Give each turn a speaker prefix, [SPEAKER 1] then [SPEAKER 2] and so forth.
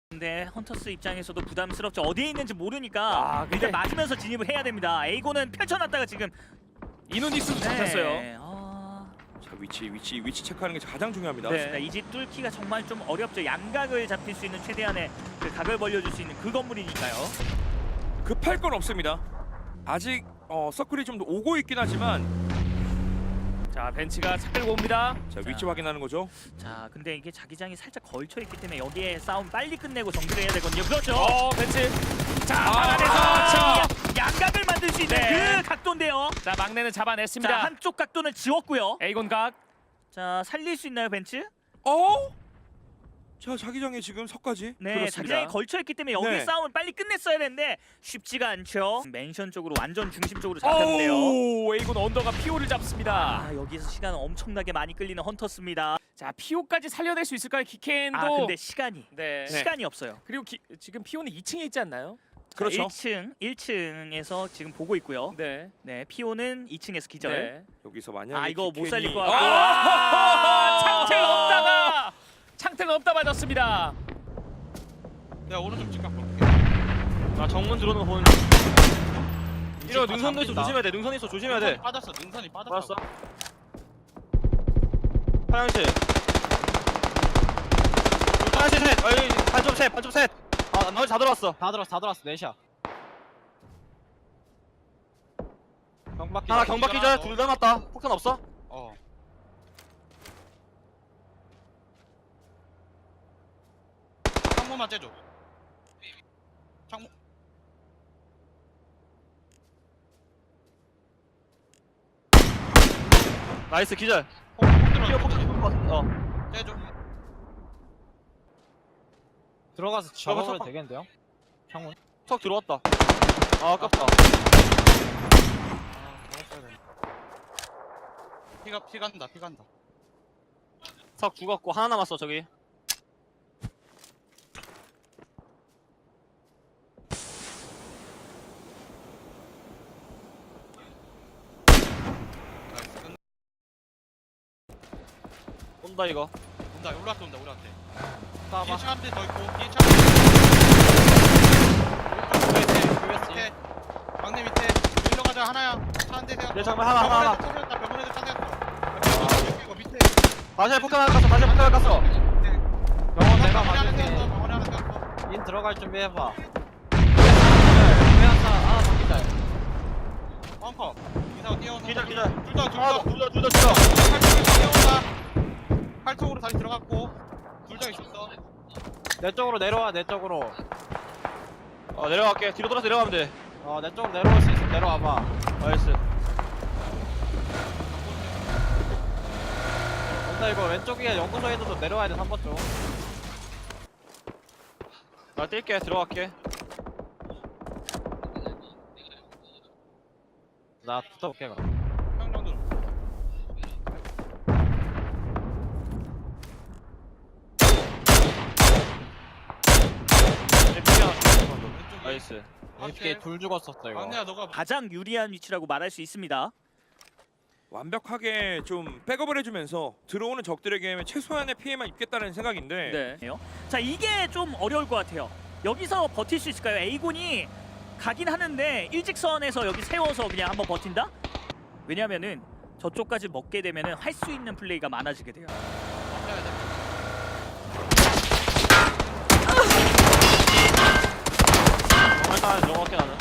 [SPEAKER 1] 근데 헌터스 입장에서도 부담스럽죠. 어디에 있는지 모르니까
[SPEAKER 2] 근데
[SPEAKER 1] 일단 맞으면서 진입을 해야 됩니다. 에이고는 펼쳐놨다가 지금
[SPEAKER 2] 이노닉스도 잡혔어요.
[SPEAKER 3] 자, 위치 체크하는 게 가장 중요합니다.
[SPEAKER 2] 네.
[SPEAKER 1] 이 집 뚫기가 정말 좀 어렵죠. 양각을 잡힐 수 있는 최대한의 그 각을 벌려줄 수 있는 그 건물이니까요.
[SPEAKER 3] 급할 건 없습니다. 아직 서클이 좀 오고 있긴 하지만
[SPEAKER 2] 자, 벤치가 차 끌고 옵니다.
[SPEAKER 3] 자, 위치 확인하는 거죠.
[SPEAKER 1] 자, 근데 이게 자기장이 살짝 걸쳐 있기 때문에 여기에 싸움 빨리 끝내고 정리를 해야 되거든요. 그렇죠.
[SPEAKER 2] 벤치. 자,
[SPEAKER 1] 방 안에서
[SPEAKER 2] 아,
[SPEAKER 1] 양각을 만들 수 있는
[SPEAKER 2] 네.
[SPEAKER 1] 그 각도인데요.
[SPEAKER 2] 자, 막내는 잡아냈습니다.
[SPEAKER 1] 자, 한쪽 각도는 지웠고요.
[SPEAKER 2] 에이곤 각.
[SPEAKER 1] 자, 살릴 수 있나요, 벤츠?
[SPEAKER 3] 자, 자기장에 지금 석까지.
[SPEAKER 1] 네,
[SPEAKER 2] 그렇습니다.
[SPEAKER 1] 자기장이 걸쳐 있기 때문에 여기
[SPEAKER 3] 네.
[SPEAKER 1] 싸움을 빨리 끝냈어야 되는데 쉽지가 않죠. 맨션 쪽으로 완전 중심 쪽으로 잡혔는데요.
[SPEAKER 2] 오, 에이곤 언더가 피오를 잡습니다.
[SPEAKER 1] 아, 여기서 시간 엄청나게 많이 끌리는 헌터스입니다.
[SPEAKER 2] 자, 피오까지 살려낼 수 있을까요, 키켄도?
[SPEAKER 1] 아, 근데 시간이
[SPEAKER 2] 네.
[SPEAKER 1] 시간이 없어요.
[SPEAKER 2] 그리고 지금 피오는 2층에 있지 않나요?
[SPEAKER 3] 그렇죠.
[SPEAKER 1] 1층에서 지금 보고 있고요.
[SPEAKER 2] 네.
[SPEAKER 1] 네, 피오는 2층에서 기절.
[SPEAKER 2] 네.
[SPEAKER 3] 여기서 만약에
[SPEAKER 1] 아, 이거 못
[SPEAKER 3] 키켄이-
[SPEAKER 1] 살릴 것 같고.
[SPEAKER 2] 창틀 없다가 창틀 없다 맞았습니다.
[SPEAKER 4] 내가 오른쪽 직각 볼게.
[SPEAKER 5] 나 정문 들어오는 거 보는 이거 능선도 있어 조심해야 돼. 능선 있어 조심해야 돼.
[SPEAKER 4] 빠졌어. 능선이 빠졌어.
[SPEAKER 5] 알았어. 화장실. 화장실 셋. 어이 반점 셋. 반점 셋. 아 나머지 다 들어왔어.
[SPEAKER 4] 다 들어왔어. 넷이야. 경박기.
[SPEAKER 5] 하나 경박 기절 둘 남았다. 폭탄 없어?
[SPEAKER 4] 어. 창문만 째줘. 창문.
[SPEAKER 5] 나이스 기절.
[SPEAKER 4] 폭
[SPEAKER 5] 피어
[SPEAKER 4] 들어.
[SPEAKER 5] 폭탄 죽은 거 같은데. 어.
[SPEAKER 4] 째줘.
[SPEAKER 6] 들어가서
[SPEAKER 5] 들어가서
[SPEAKER 6] 잡아도 되겠는데요? 창문.
[SPEAKER 5] 턱 들어왔다. 아 아깝다.
[SPEAKER 4] 피 간다.
[SPEAKER 5] 턱 죽었고 하나 남았어 저기. 온다 이거.
[SPEAKER 4] 온다. 올라한테 우리한테.
[SPEAKER 6] 따봐.
[SPEAKER 4] 뒤에 차 한 대 더 있고. 뒤에 차. 밑에. 막내 밑에. 일로 가자. 하나야. 차 한 대 세웠어.
[SPEAKER 5] 내 정말 하나.
[SPEAKER 4] 병원에서 차 세웠어. 이거 밑에.
[SPEAKER 5] 다시 폭탄 하나 깠어. 다시 폭탄 하나 깠어.
[SPEAKER 6] 병원 내가
[SPEAKER 4] 병원에 하나
[SPEAKER 6] 맞을게.
[SPEAKER 4] 세웠어. 병원에 하나 세웠어.
[SPEAKER 6] 인 들어갈 준비해봐. 회한사 더 기다려.
[SPEAKER 4] 벙커. 이사가 뛰어온다.
[SPEAKER 5] 기절 기절.
[SPEAKER 4] 둘다.
[SPEAKER 5] 하나 더. 둘 더.
[SPEAKER 4] 팔쪽으로 뛰어온다. 팔쪽으로 다시 들어갔고. 둘 다 있었어.
[SPEAKER 6] 내 쪽으로 내려와, 내 쪽으로.
[SPEAKER 5] 내려갈게. 뒤로 돌아서 내려가면 돼.
[SPEAKER 6] 내 쪽으로 내려올 수 있으면 내려와봐.
[SPEAKER 5] 나이스.
[SPEAKER 6] 온다 이거 왼쪽에 연구소에 있어도 내려와야 돼, 3번 쪽.
[SPEAKER 5] 나 뛸게. 들어갈게.
[SPEAKER 6] 나 붙어볼게, 그럼.
[SPEAKER 4] 형 정도.
[SPEAKER 5] 나이스.
[SPEAKER 6] APK 둘 죽었었어, 이거.
[SPEAKER 4] 막내야 너가
[SPEAKER 1] 가장 유리한 위치라고 말할 수 있습니다.
[SPEAKER 3] 완벽하게 좀 백업을 해주면서 들어오는 적들에게 최소한의 피해만 입겠다는 생각인데
[SPEAKER 2] 네.
[SPEAKER 1] 자, 이게 좀 어려울 것 같아요. 여기서 버틸 수 있을까요? 에이곤이 가긴 하는데 일직선에서 여기 세워서 그냥 한번 버틴다? 왜냐면은 저쪽까지 먹게 되면은 할 수 있는 플레이가 많아지게 돼요.
[SPEAKER 4] 막내야 돼.
[SPEAKER 5] 정말 따라 넘어갈게 나는.